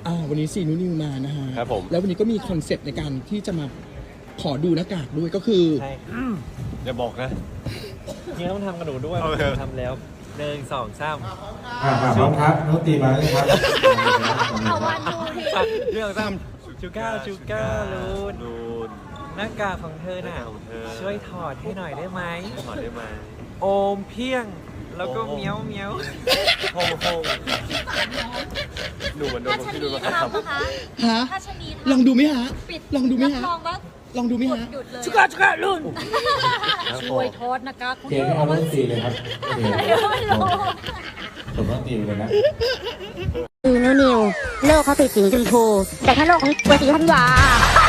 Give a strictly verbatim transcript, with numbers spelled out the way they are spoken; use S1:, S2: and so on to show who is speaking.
S1: อ่าวันนี้ซีนูนิวมานะฮะ
S2: ครับผม
S1: แล้ววันนี้ก็มีคอนเซปต์ในการที่จะมาขอดูหน้ากากด้วยก็คือ
S3: ใช่
S2: อย่าบอกนะ
S3: จริงๆต้องทำกับหนูด้วย
S2: โอเค
S3: ทำแล้วหนึ่งสองสาม
S4: อ่าพร้อมครับน้องตีมาเลยครับ
S5: เอาวันดูที
S3: เรื่องสามชูก้าชูก้าลูน
S2: ดูน
S3: หน้ากากของเธอน่ะ
S2: ของเธอ
S3: ช่วยถอดให้หน่อยได้ไหม
S2: ถอดได้ไหม
S3: โอมเพียง แล้วก็
S2: โอม
S3: เมียวเมียว
S2: โฮงโฮงหนูเหมือนโดน
S5: ถ้า
S2: ผม
S5: ชะ
S2: ที่
S5: นี
S2: ดูมา
S5: ทำนะคะ
S1: ฮะ
S5: ถ้าชะนี
S1: ลองดูไหมฮะ
S5: ปิด
S1: ลองดูไหมฮะ
S5: รับรองว่า
S1: ลองดูไหม
S5: กด
S1: ฮะ
S5: หยุดเลย
S1: ชุกาชุกาลุน
S5: ช่วยโทษนะคะคุณ
S4: เกมไม่เอาน้องตีเลยครับโอเค
S5: ไม่รู้
S4: ผมต้องตีเลยนะ
S6: นิวนิวโลกเขาติดสีชมพู แต่ถ้าโลกของตัวสีธันวา